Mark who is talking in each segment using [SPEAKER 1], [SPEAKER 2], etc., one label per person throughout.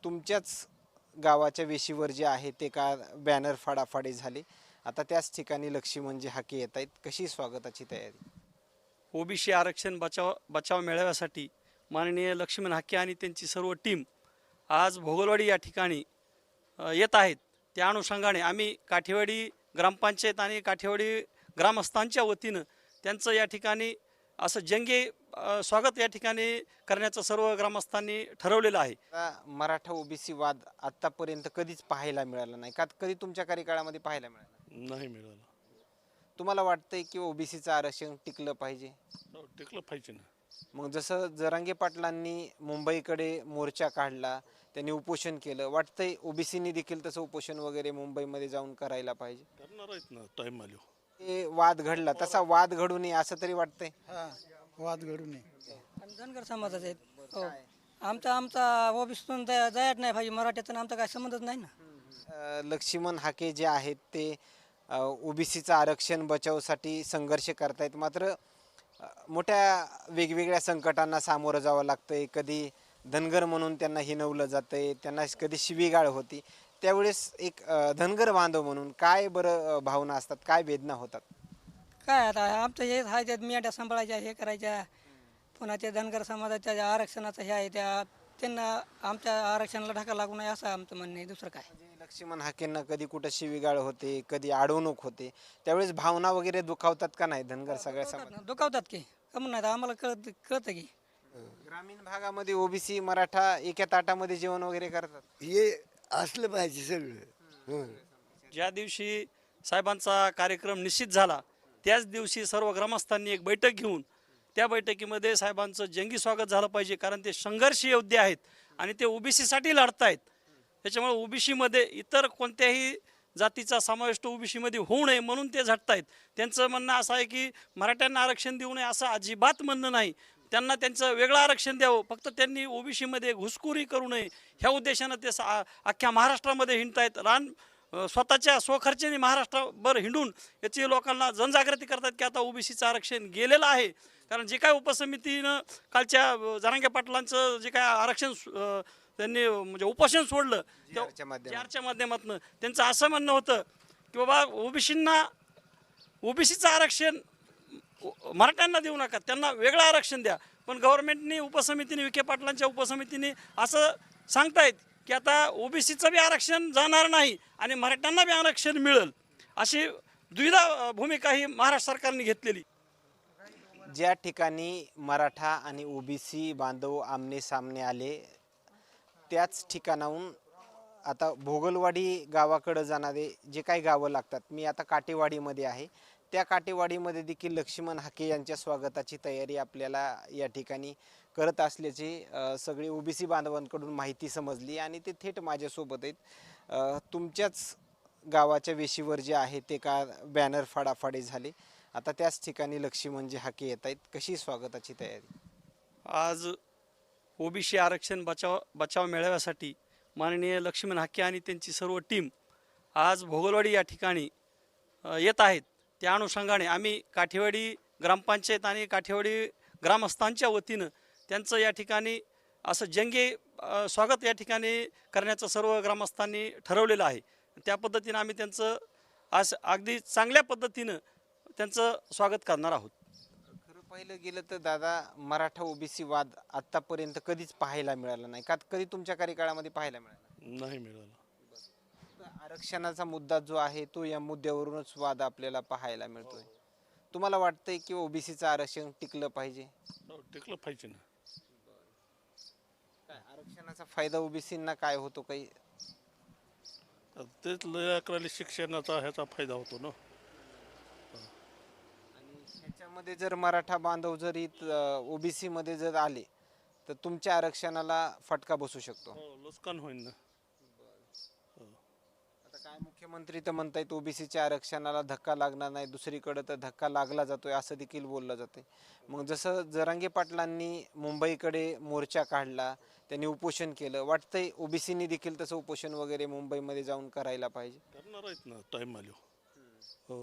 [SPEAKER 1] तुमच्याच गावाच्या वेशीवर जे आहे ते का बॅनर फाडाफाडी झाली. आता त्याच ठिकाणी लक्ष्मणजी हाके येत आहेत. कशी स्वागताची तयारी?
[SPEAKER 2] ओबीसी आरक्षण बचाव मेळाव्यासाठी माननीय लक्ष्मण हाके आणि त्यांची सर्व टीम आज भोगलवाडी या ठिकाणी येत आहेत. त्या अनुषंगाने आम्ही काठेवाडी ग्रामपंचायत आणि काठेवाडी ग्रामस्थांच्या वतीनं त्यांचं या ठिकाणी असं जंगी स्वागत या ठिकाणी करण्याचं सर्व ग्रामस्थांनी ठरवलेलं आहे.
[SPEAKER 1] आता मराठा ओबीसी वाद आतापर्यंत कधीच पाहायला मिळाला नाही का? कधी तुमच्या कार्यकाळामध्ये पाहायला मिळाला?
[SPEAKER 3] नाही मिळालं.
[SPEAKER 1] तुम्हाला वाटतंय की ओबीसीचं आरक्षण टिकलं पाहिजे?
[SPEAKER 3] टिकलं पाहिजे ना.
[SPEAKER 1] मग जसं जरांगे पाटलांनी मुंबईकडे मोर्चा काढला, त्यांनी उपोषण केलं, वाटतंय ओबीसीनी देखील तसं उपोषण वगैरे मुंबईमध्ये जाऊन करायला पाहिजे?
[SPEAKER 3] करणार आहेत ना टाईम आलो.
[SPEAKER 1] हे वाद घडला, तसा वाद घडू नये असं तरी वाटतंय?
[SPEAKER 4] हा वाद घडू नये.
[SPEAKER 5] आणि धनगर समाजाचे आहेत. हो आमचा ओबीसीतून जायच नाही पाहिजे. मराठ्यातून आमचा काय संबंधच नाही ना.
[SPEAKER 1] लक्ष्मण हाके जे आहेत ते ओबीसीचं आरक्षण बचावसाठी संघर्ष करतायत, मात्र मोठ्या वेगवेगळ्या संकटांना सामोरं जावं लागतंय. कधी धनगर म्हणून त्यांना हिणवलं जातंय, त्यांना कधी शिवीगाळ होती. त्यावेळेस एक धनगर बांधव म्हणून काय बरं भावना असतात, काय वेदना होतात?
[SPEAKER 5] काय आता आमचं हे आहे त्यात मेंढ्या सांभाळायच्या, हे करायच्या. पुन्हा ते धनगर समाजाच्या ज्या आरक्षणाचं हे आहे त्यांना आमच्या आरक्षणाला ढाका लागू नये असं आमचं म्हणणं आहे. दुसरं काय.
[SPEAKER 1] म्हणजे लक्ष्मण हाकेंना कधी कुठं शिवीगाळ होते, कधी अडवणूक होते, त्यावेळेस भावना वगैरे दुखावतात का नाही धनगर सगळ्या समाज?
[SPEAKER 5] दुखावतात की कमून नाही आम्हाला कळतं की.
[SPEAKER 1] ग्रामीण भागामध्ये ओबीसी मराठा एका ताटामध्ये जेवण वगैरे करतात?
[SPEAKER 4] हे असलं पाहिजे सगळं.
[SPEAKER 2] ज्या दिवशी साहेबांचा कार्यक्रम निश्चित झाला त्याच दिवशी सर्व ग्रामस्थांनी एक बैठक घेऊन त्या बैठकीमध्ये साहेबांचं जंगी स्वागत झालं पाहिजे. कारण ते संघर्ष योद्धे आहेत आणि ते ओबीसीसाठी लढत आहेत. त्याच्यामुळे ओबीसीमध्ये इतर कोणत्याही जातीचा समावेश ओबीसीमध्ये होऊ नये म्हणून ते झटत आहेत. त्यांचं म्हणणं असं आहे की मराठ्यांना आरक्षण देऊ नये असं अजिबात म्हणणं नाही. त्यांना त्यांचं वेगळं आरक्षण द्यावं, फक्त त्यांनी ओबीसीमध्ये घुसखोरी करू नये ह्या उद्देशानं ते अख्ख्या महाराष्ट्रामध्ये हिंडत आहेत. स्वतःच्या स्वखर्चाने महाराष्ट्रभर हिंडून याची लोकांना जनजागृती करतात की आता ओबीसीचं आरक्षण गेलेलं आहे. कारण जे काय उपसमितीनं कालच्या जरांगे पाटलांचं जे काय आरक्षण त्यांनी म्हणजे उपोषण सोडलं JRच्या माध्यमातून त्यांचं असं म्हणणं होतं की बाबा ओबीसीचं आरक्षण मराठ्यांना देऊ नका, त्यांना वेगळं आरक्षण द्या. पण गव्हर्नमेंटने उपसमितीने विखे पाटलांच्या उपसमितीने असं सांगतायत की आता ओबीसीचं बी आरक्षण जाणार नाही आणि मराठ्यांना बी आरक्षण मिळेल, अशी द्विधा भूमिका ही महाराष्ट्र सरकारने घेतलेली.
[SPEAKER 1] ज्या ठिकाणी मराठा आणि ओबीसी बांधव आमने सामने आले त्याच ठिकाणाहून आता भोगलवाडी गावाकडं जाणारे जे काही गावं लागतात, मी आता काटेवाडीमध्ये आहे, त्या काटेवाडीमध्ये देखील लक्ष्मण हाके यांच्या स्वागताची तयारी आपल्याला या ठिकाणी करत असल्याची सगळी ओबीसी बांधवांकडून माहिती समजली आणि ते थेट माझ्यासोबत आहेत. तुमच्याच गावाच्या वेशीवर जे आहे ते का बॅनर फाडाफाडी झाली. आता त्याच ठिकाणी लक्ष्मणजी हाके येत आहेत. कशी स्वागताची तयारी?
[SPEAKER 2] आज ओबीसी आरक्षण बचाव मेळाव्यासाठी माननीय लक्ष्मण हाके आणि त्यांची सर्व टीम आज भोगलवाडी या ठिकाणी येत आहेत. त्या अनुषंगाने आम्ही काठेवाडी ग्रामपंचायत आणि काठेवाडी ग्रामस्थांच्या वतीनं त्यांचं या ठिकाणी असं जंगी स्वागत या ठिकाणी करण्याचं सर्व ग्रामस्थांनी ठरवलेलं आहे. त्या पद्धतीनं आम्ही त्यांचं आज अगदी चांगल्या पद्धतीनं त्यांचं स्वागत करणार आहोत.
[SPEAKER 1] खरं पाहिलं गेलं तर दादा, मराठा ओबीसी वाद आतापर्यंत कधीच पाहायला मिळाला नाही का? कधी तुमच्या कार्यकाळामध्ये पाहायला मिळाला?
[SPEAKER 3] नाही मिळालं.
[SPEAKER 1] आरक्षणाचा मुद्दा जो आहे तो या मुद्द्यावरूनच वाद आपल्याला पाहायला मिळतोय. तुम्हाला वाटतंय की ओबीसीचं आरक्षण टिकलं पाहिजे?
[SPEAKER 3] टिकलं पाहिजे ना.
[SPEAKER 1] काय आरक्षणाचा फायदा ओबीसींना काय होतो काही?
[SPEAKER 3] तेच लेकराला शिक्षणाचा ह्याचा फायदा होतो ना.
[SPEAKER 1] आणि ह्याच्यामध्ये जर मराठा बांधव जर ओबीसी मध्ये जर आले तर तुमच्या आरक्षणाला फटका बसू शकतो.
[SPEAKER 3] नुकसान होईल ना.
[SPEAKER 1] आता काय मुख्यमंत्री तर म्हणतायत ओबीसीच्या आरक्षणाला धक्का लागणार नाही, दुसरीकडे तर धक्का लागला जातोय असं देखील बोललं जाते. मग जसं जरांगे पाटलांनी मुंबईकडे मोर्चा काढला, त्यांनी उपोषण केलं, वाटतंय ओबीसीनी देखील तसं उपोषण वगैरे मुंबईमध्ये जाऊन करायला पाहिजे?
[SPEAKER 3] करणार आहेत ना टाईम आलो. हो.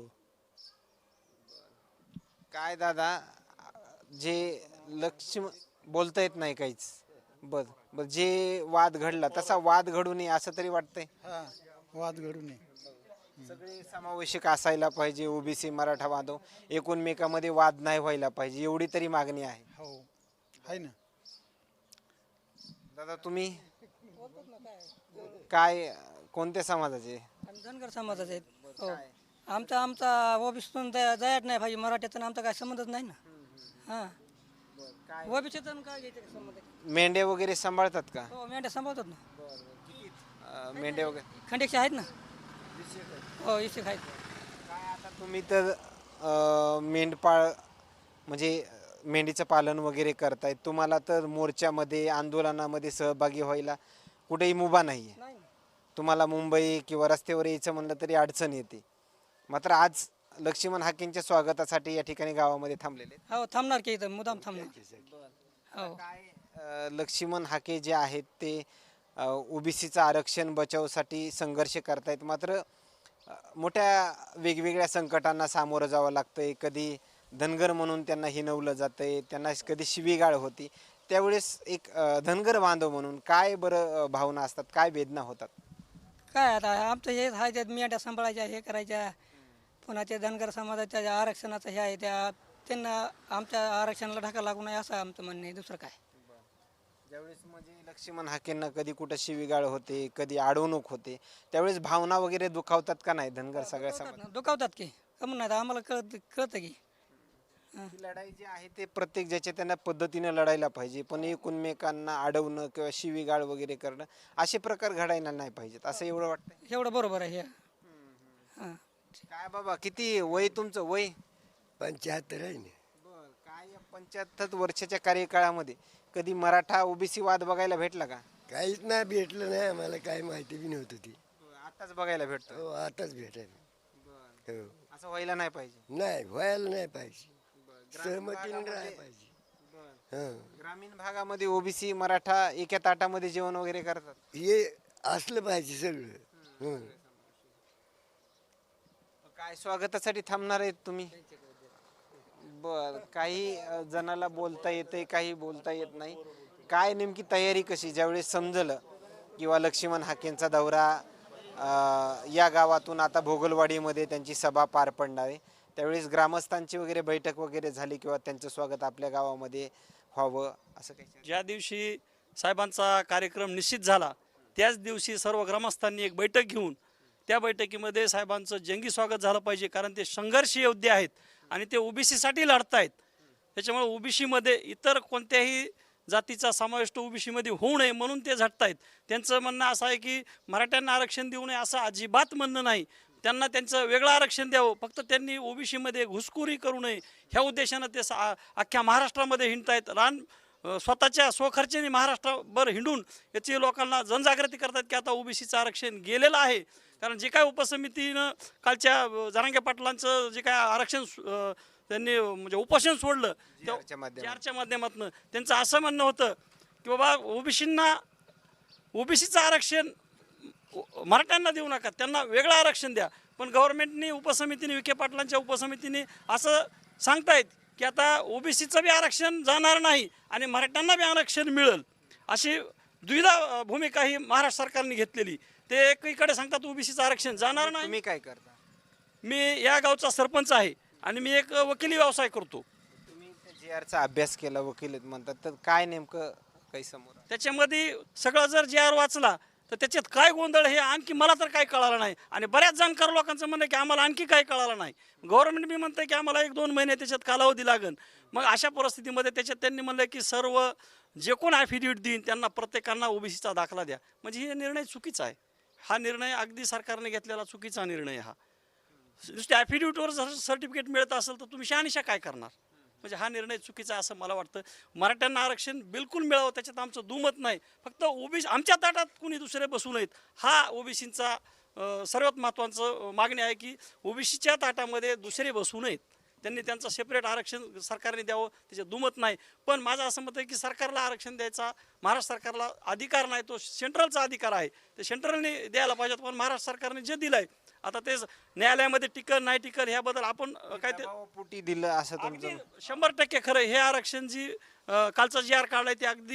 [SPEAKER 1] काय दादा, जे लक्ष्य बोलता येत नाही काहीच, बर बर जे वाद घडला तसा वाद घडू नये असं तरी वाटतंय.
[SPEAKER 4] हा वाद घडू नये.
[SPEAKER 1] सगळे समावेशक असायला पाहिजे, ओबीसी मराठा बांधव एकूणमेकामध्ये वाद नाही व्हायला पाहिजे, एवढी तरी मागणी आहे.
[SPEAKER 4] हो आहे ना.
[SPEAKER 1] दादा तुम्ही काय कोणत्या समाजाचे?
[SPEAKER 5] आम्ही धनगर समाजाचे आहेत. हो आमचा आमचा ओबीसीतून जायच नाही पाहिजे, मराठ्यातून आमचा काय संबंधच नाही ना. हां ओबीसीतून काय घ्यायचं का संबंध?
[SPEAKER 1] मेंढे वगैरे सांभाळतात का?
[SPEAKER 5] हो मेंढ्या सांभाळतात ना.
[SPEAKER 1] मेंढे वगैरे
[SPEAKER 5] खंडेक्षे आहेत ना. हो इशिक आहेत.
[SPEAKER 1] काय आता तुम्ही तर मेंढपाळ म्हणजे मेंढीचं पालन वगैरे करतायत, तुम्हाला तर मोर्चामध्ये आंदोलनामध्ये सहभागी व्हायला कुठेही मुभा नाही आहे.
[SPEAKER 5] नाही ना.
[SPEAKER 1] तुम्हाला मुंबई किंवा रस्त्यावर यायचं म्हणलं तरी अडचण येते. मात्र आज लक्ष्मण हाकेंच्या स्वागतासाठी या ठिकाणी गावामध्ये थांबलेले आहेत.
[SPEAKER 5] हो थांबणार की इथं मुदाम थांबणार. हो
[SPEAKER 1] काय लक्ष्मण हाके जे आहेत ते ओबीसीचं आरक्षण बचावसाठी संघर्ष करतायत. मात्र मोठ्या वेगवेगळ्या संकटांना सामोरं जावं लागतंय. कधी धनगर म्हणून त्यांना हिणवलं जातंय, त्यांना कधी शिवीगाळ होती. त्यावेळेस एक धनगर बांधव म्हणून काय बरं भावना असतात, काय वेदना होतात?
[SPEAKER 5] काय आता आमचं हे आहे त्यात मेंढ्या सांभाळायच्या हे करायच्या. पुन्हा ते धनगर समाजाच्या आरक्षणाचं हे आहे त्या त्यांना आमच्या आरक्षणाला ढाका लागू नये असं आमचं म्हणणं आहे. दुसरं काय.
[SPEAKER 1] ज्यावेळेस म्हणजे लक्ष्मण हाकेंना कधी कुठं शिवीगाळ होते, कधी अडवणूक होते, त्यावेळेस भावना वगैरे दुखावतात का नाही धनगर सगळ्या समाज?
[SPEAKER 5] दुखावतात की कमून नाही आम्हाला कळतं की.
[SPEAKER 1] ही लढाई जी आहे ते प्रत्येक ज्याच्या त्यांना पद्धतीनं लढायला पाहिजे, पण एकमेकांना अडवणं किंवा शिवीगाळ वगैरे करणं असे प्रकार घडायला नाही पाहिजेत असं एवढं वाटतंय.
[SPEAKER 5] एवढं बरोबर आहे हे. हां
[SPEAKER 1] काय बाबा किती वय तुमचं? वय
[SPEAKER 4] 75 आहे ना.
[SPEAKER 1] बर काय या 75 वर्षाच्या कार्यकाळामध्ये कधी मराठा ओबीसी वाद बघायला भेटला का?
[SPEAKER 4] काहीच नाही भेटलं नाही आम्हाला, काय माहिती बी नव्हतं ती.
[SPEAKER 1] आताच बघायला भेटतो.
[SPEAKER 4] हो आताच भेटायला. हो
[SPEAKER 1] असं व्हायला नाही पाहिजे.
[SPEAKER 4] नाही व्हायला नाही पाहिजे, सहमतीने राहायला पाहिजे. हं
[SPEAKER 1] ग्रामीण भागामध्ये ओबीसी मराठा एका ताटामध्ये जेवण वगैरे करतात.
[SPEAKER 4] हे असलं पाहिजे सगळं. हं
[SPEAKER 1] काय स्वागतासाठी थांबणार आहेत तुम्ही? बर काही जणाला बोलता येते, काही बोलता येत नाही. काय नेमकी तयारी कशी ज्यावेळेस समजलं किंवा लक्ष्मण हाकेंचा दौरा या गावातून आता भोगलवाडीमध्ये त्यांची सभा पार पडणार आहे, त्यावेळेस ग्रामस्थांची वगैरे बैठक वगैरे झाली किंवा त्यांचं स्वागत आपल्या गावामध्ये व्हावं असं काही?
[SPEAKER 2] ज्या दिवशी साहेबांचा कार्यक्रम निश्चित झाला त्याच दिवशी सर्व ग्रामस्थांनी एक बैठक घेऊन त्या बैठकीमध्ये साहेबांचं जंगी स्वागत झालं पाहिजे, कारण ते संघर्ष योद्धे आहेत आणि ते ओबीसीसाठी लढतायत. त्याच्यामुळे ओबीसीमध्ये इतर कोणत्याही जातीचा समावेश तो ओबीसीमध्ये होऊ नये म्हणून ते झटतायत. त्यांचं म्हणणं असं आहे की मराठ्यांना आरक्षण देऊ नये असं अजिबात म्हणणं नाही. त्यांना त्यांचं वेगळं आरक्षण द्यावं, फक्त त्यांनी ओबीसीमध्ये घुसखोरी करू नये ह्या उद्देशानं ते अख्ख्या महाराष्ट्रामध्ये हिंडतायत. स्वतःच्या स्वखर्चाने महाराष्ट्रभर हिंडून याची लोकांना जनजागृती करतात की आता ओबीसीचं आरक्षण गेलेलं आहे. कारण जे काय उपसमितीनं कालच्या जरांगे पाटलांचं जे काय आरक्षण त्यांनी म्हणजे उपोषण सोडलं JR माध्यमातून त्यांचं असं म्हणणं होतं की बाबा ओबीसीचं आरक्षण मराठ्यांना देऊ नका, त्यांना वेगळं आरक्षण द्या. पण गव्हर्नमेंटने उपसमितीने विखे पाटलांच्या उपसमितीने असं सांगतायत की आता ओबीसीचं बी आरक्षण जाणार नाही आणि मराठ्यांना बी आरक्षण मिळेल, अशी द्विधा भूमिका ही महाराष्ट्र सरकारने घेतलेली. ते एकीकडे सांगतात ओबीसीचं आरक्षण जाणार नाही.
[SPEAKER 1] तुम्ही काय करता?
[SPEAKER 2] मी या गावचा सरपंच आहे आणि मी एक वकिली व्यवसाय करतो.
[SPEAKER 1] तुम्ही JRचा अभ्यास केला, वकील म्हणतात, तर काय नेमकं काही समोर?
[SPEAKER 2] त्याच्यामध्ये सगळं जर JR वाचला तर त्याच्यात काय गोंधळ हे आणखी मला तर काय कळालं नाही आणि बऱ्याच जाणकार लोकांचं म्हणणं की आम्हाला आणखी काय कळालं नाही. गव्हर्नमेंट बी म्हणतं की आम्हाला 1-2 महिने त्याच्यात कालावधी लागेल. मग अशा परिस्थितीमध्ये त्याच्यात त्यांनी म्हणलं की सर्व जे कोण ॲफिडेविट देईन त्यांना प्रत्येकांना ओबीसीचा दाखला द्या. म्हणजे हे निर्णय चुकीचा आहे. हा निर्णय अगदी सरकारने घेतलेला चुकीचा निर्णय. हा नुसत्या ॲफिडेविटवर जर सर्टिफिकेट मिळत असेल तर तुम्ही शहानिशा काय करणार? म्हणजे हा निर्णय चुकीचा असं मला वाटतं. मराठ्यांना आरक्षण बिलकुल मिळावं त्याच्यात आमचं दुमत नाही. फक्त ओबीसी आमच्या ताटात कुणी दुसरे बसू नयेत हा ओबीसींचा सर्वात महत्त्वाचं मागणी आहे की ओबीसीच्या ताटामध्ये दुसरे बसू नयेत. त्यांनी त्यांचं सेपरेट आरक्षण सरकारने द्यावं त्याच्यात दुमत नाही. पण माझं असं मत आहे की सरकारला आरक्षण द्यायचा महाराष्ट्र सरकारला अधिकार नाही, तो सेंट्रलचा अधिकार आहे. ते सेंट्रलने द्यायला पाहिजेत. पण महाराष्ट्र सरकारने जे दिलं आहे आता तेच न्यायालयामध्ये टिकल नाही टिकल ह्याबद्दल आपण काय ते
[SPEAKER 1] पोटी दिलं असं तुमचं?
[SPEAKER 2] 100% खरं. हे आरक्षण जी कालचा JR काढलाय ते अगदी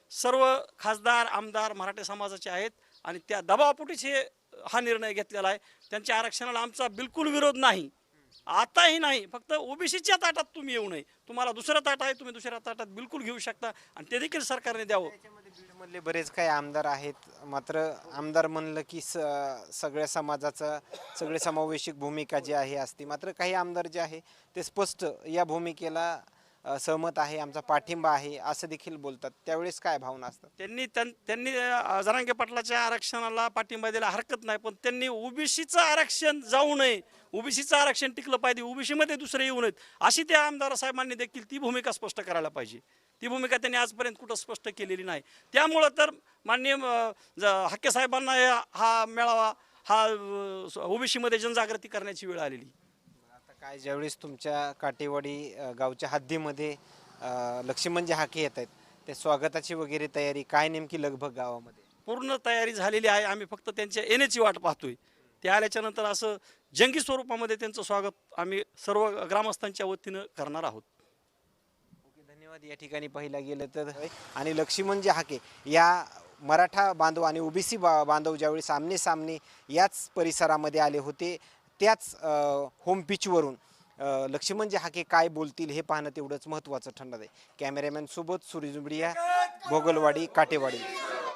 [SPEAKER 2] सर्व खासदार आमदार मराठा समाजाचे आहेत आणि त्या दबावापोटीच हा निर्णय घेतलेला आहे. त्यांच्या आरक्षणाला आमचा बिलकुल विरोध नाही, आताही नाही. फक्त ओबीसीच्या ताटात तुम्ही येऊ नये. तुम्हाला दुसरं ताट आहे, तुम्ही दुसऱ्या ताटात बिलकुल घेऊ शकता आणि ते देखील सरकारने द्यावं.
[SPEAKER 1] त्याच्यामध्ये बीडमधले बरेच काही आमदार आहेत, मात्र आमदार म्हणलं की सगळ्या समाजाचं सगळे समावेशक भूमिका जी आहे असते. मात्र काही आमदार जे आहे ते स्पष्ट या भूमिकेला सहमत आहे, आमचा पाठिंबा आहे असं देखील बोलतात. त्यावेळेस काय भावना असतात?
[SPEAKER 2] त्यांनी जरांगे पाटलाच्या आरक्षणाला पाठिंबा द्यायला हरकत नाही, पण त्यांनी ओबीसीचं आरक्षण जाऊ नये, ओबीसीचं आरक्षण टिकलं पाहिजे, ओबीसीमध्ये दुसरे येऊ नयेत अशी त्या आमदार साहेबांनी देखील ती भूमिका स्पष्ट करायला पाहिजे. ती भूमिका त्यांनी आजपर्यंत कुठं स्पष्ट केलेली नाही. त्यामुळं तर माननीय हाके साहेबांना हा मेळावा हा ओबीसीमध्ये जनजागृती करण्याची वेळ आलेली.
[SPEAKER 1] आता काय ज्यावेळेस तुमच्या काटेवाडी गावच्या हद्दीमध्ये लक्ष्मणजी हाके येत आहेत, त्या स्वागताची वगैरे तयारी काय नेमकी लगभग गावामध्ये?
[SPEAKER 2] पूर्ण तयारी झालेली आहे. आम्ही फक्त त्यांच्या येण्याची वाट पाहतोय. ते आल्याच्या नंतर असं जंगी स्वरूपामध्ये त्यांचं स्वागत आम्ही सर्व ग्रामस्थांच्या वतीनं करणार आहोत.
[SPEAKER 1] धन्यवाद. या ठिकाणी पाहिला गेलं तर आणि लक्ष्मणजी हाके या मराठा बांधव आणि ओबीसी बांधव ज्यावेळी सामने सामने याच परिसरामध्ये आले होते, त्याच होम पिचवरून लक्ष्मणजी हाके काय बोलतील हे पाहणं तेवढंच महत्त्वाचं ठरणार आहे. कॅमेरामॅन सोबत सुरेश जुबडिया, भोगलवाडी, काटेवाडी.